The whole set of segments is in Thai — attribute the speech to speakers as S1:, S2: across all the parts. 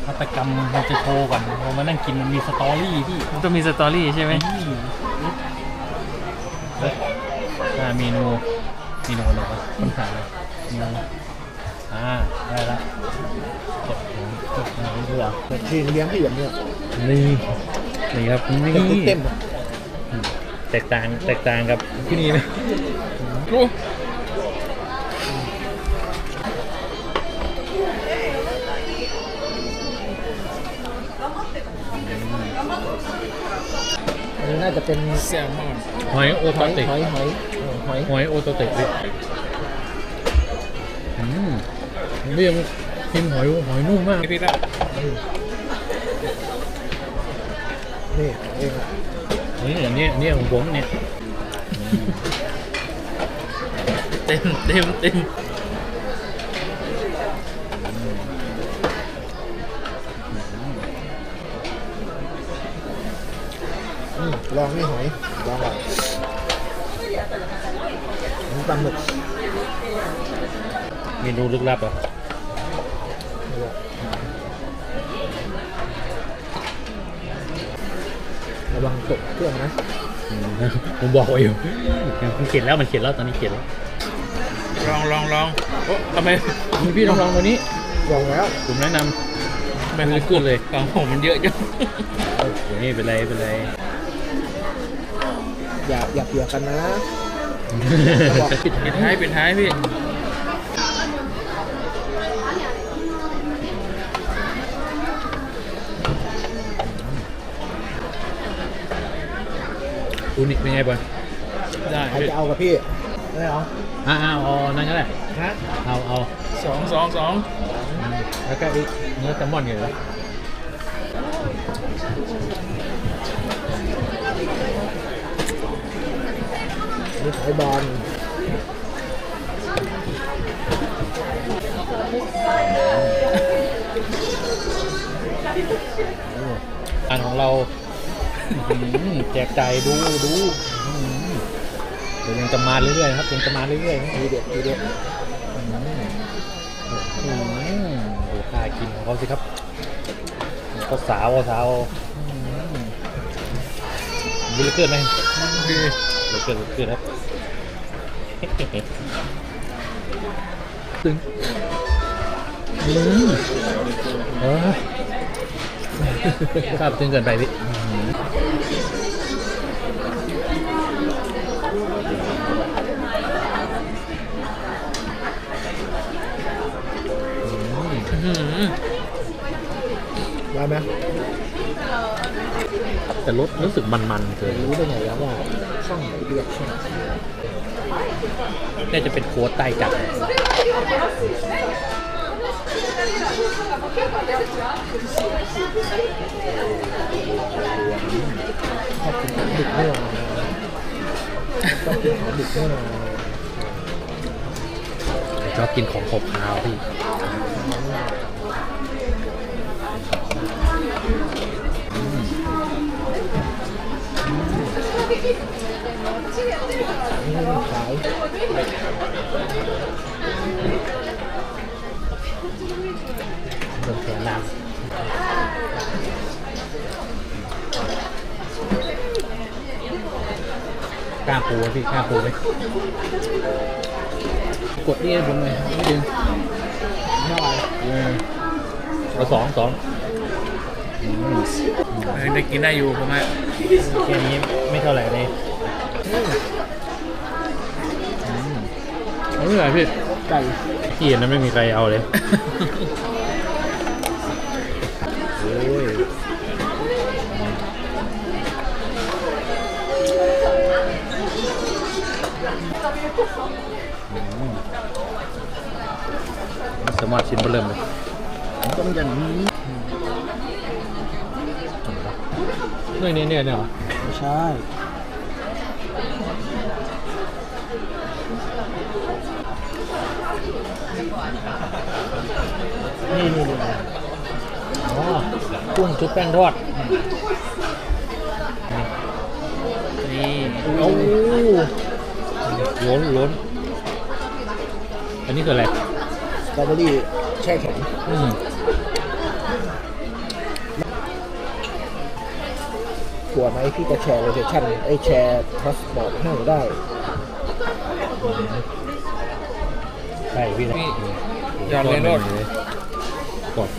S1: หัตถกรรมเราจะโชว์ก่อนเรามานั่งกินมันมีสตอรี่พี่
S2: มันต้องมีสตอรี่ใช่ไหม
S1: เมนูอะไรวะค้นหาเมนูได้แล้วกดนี่ด้วยอ่ะ
S3: ที่เลี้ยงที่อย่างเนี้ย
S1: นี่ครับนี่
S3: เต็ม
S1: แตกต่างกับที่นี่นะ
S3: อันนี้น่าจะเป็น
S2: แซลมอน
S1: หอยโอตาเตะ
S3: หอย
S1: โอตาเตะเรียกกินหอยนุ่มมาก
S2: พี่ละ
S3: นี่เอง
S1: อันนี้ของผมเนี่ย
S2: เต็ม
S3: ลองนี่หอยลองก่อนนี่ปลาหมึก
S1: เมนูลึกลับอ่ะ
S3: ระวังตกเครื่องนะ
S1: ผมบอกไว้อยู่มันเขียนแล้วตอนนี้เขียนแล้ว
S2: ลองโอ้ทำไม
S1: พี่ลองตัวนี้
S3: ลองแล้ว
S1: ผมแนะนำไม่ลึกขึ้นเลย
S2: ของผมมันเยอะจัง
S1: นี่เป็นไร
S3: อย่าเปียกกันนะ
S2: ปิดท้ายพี่
S1: ดูนี่เป็นไงบอล
S2: ได้
S3: ใครจะเอากับพี่ได้เหรอ
S1: เอานั่นก็ได้
S3: ฮะ
S1: เอา
S2: สอง
S1: แล้วก็เนื้อแซลมอนอยู่เลย
S3: นี่หอยบอล
S1: อันของเราแจกจ่ายดูเดี๋ยวยังจะมาเรื่อยๆครับยังจะมาเรื่อยๆ
S3: ทีเด็ด
S1: ดูค่ากินของเขาสิครับก็สาวดูเลือดเกินไหมเลือดเกินครับตึงครับตึงเกินไปพี่
S3: ได้ไหม
S1: แต่รสรู้สึกมันๆเกิน
S3: รู้ได้ไงแล้วว่าช่องไหนเรียกช่อง
S1: น่าจะเป็นโค้ดใต้จัด
S3: ชอบกินของดึกแน่นอน
S1: ชอบกินของขบคาวพี่
S3: ขาย
S1: เดินแขนน้ำกล้าปูพี่กล้าปูไหมกดนี่ให้ผมหน่อยนิดนึง
S3: เท่าไหร่
S1: เอาสอง
S2: ได้กินได้อยู่ผม
S1: แค่นี้ไม่เท่าไหร่เลยเอาไม่ไหวพี่
S3: ไก่
S1: ที่นั้นไม่มีใครเอาเลยโอ้ยสามารถชิ้นเริ่มเลย
S3: ต้องอย่างนี้
S1: เนี่ยเหรอ
S3: ไม่ใช่นี่
S1: อ๋อกุ้งชุบแป้งทอด
S2: นี่
S1: โอ้ล้นอันนี้คืออะไร
S3: สตรอเบอรี่แช่แข็งลัวไหมพี่จะแชร์โลเคชั่นแชร์พาสปอร์ตให้ได้
S1: ได้พี่นะ
S2: พี่ยอดเลยรถ
S1: กด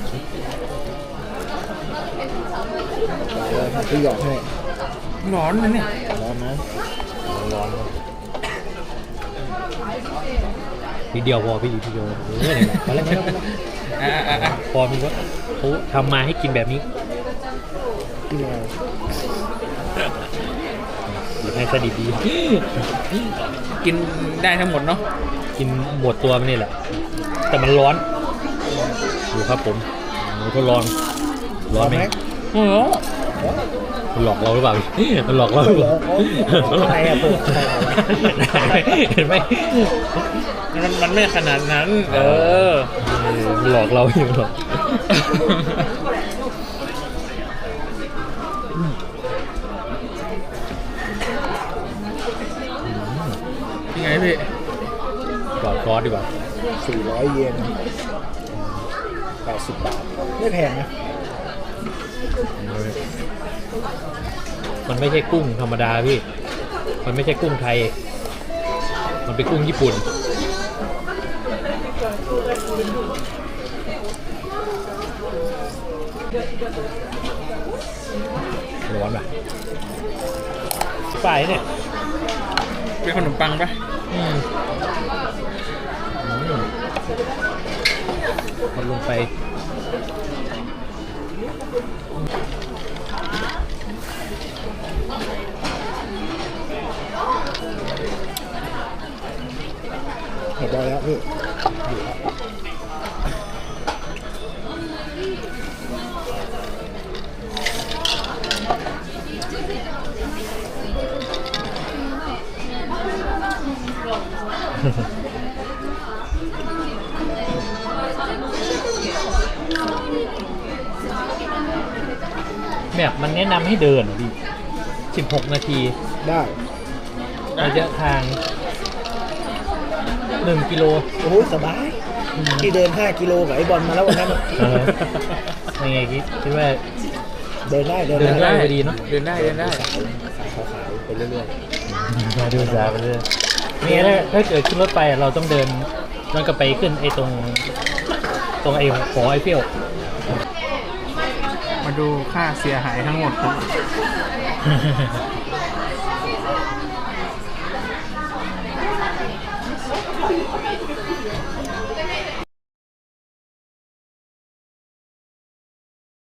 S3: พี่หยอดให้
S2: ร้อนนะเนี่ย
S3: ร้อนนะ
S1: ร้อนทีเดียวพอพี่ทีเดียวมาแล้วพอมีว่าเขาทำมาให้กินแบบนี้
S3: พี่แมว
S1: หรือให้สดิบดี
S2: กินได้ทั้งหมดเนาะ
S1: กินหมดตัวมันนี่แหละ แต่มันร้อนดูครับผมทดลองร้อนไหม
S2: โอ้โห
S1: มันหลอกเราหรือเปล่ามันหลอกเราหรือเปล่า
S3: อะไรอะเปิด
S1: เห็นไหม
S2: มันไม่ขนาดนั้น
S1: มันหลอกเราอยู่หรอก
S2: ยังไงพี่
S1: ก่อนซอสดีกว่า
S3: 400 เยน80 บาทไม่แพงนะ
S1: มันไม่ใช่กุ้งธรรมดาพี่ มันไม่ใช่กุ้งไทย มันเป็นกุ้งญี่ปุ่นร้อนป่ะไปเนี่ย
S2: เป็นขนมปังปะ
S1: มันลงไป
S3: เห็นได้แล้วพี่
S1: แบบมันแนะนำให้เดินดิ16 นาที
S3: ได้
S1: ระยะทาง 1 กิโล
S3: โอ้โหสบายที่เดิน 5 กิโลกับไอ้บอลมาแล้ววันนั้น
S1: ยังไงคิดว่า
S3: เดินได้
S1: เดินได้ พอดีเนอะ
S2: เดินได้เดินได้
S3: สายขาวๆไปเรื่อย
S1: มาดูซาไปเรื่อยนี่ถ้าเกิดขึ้นรถไปเราต้องเดินย้อนกลับไปขึ้นไอ้ตรงไอ้หอไอเฟล
S2: มาดูค่าเสียหายทั้งหมดครับ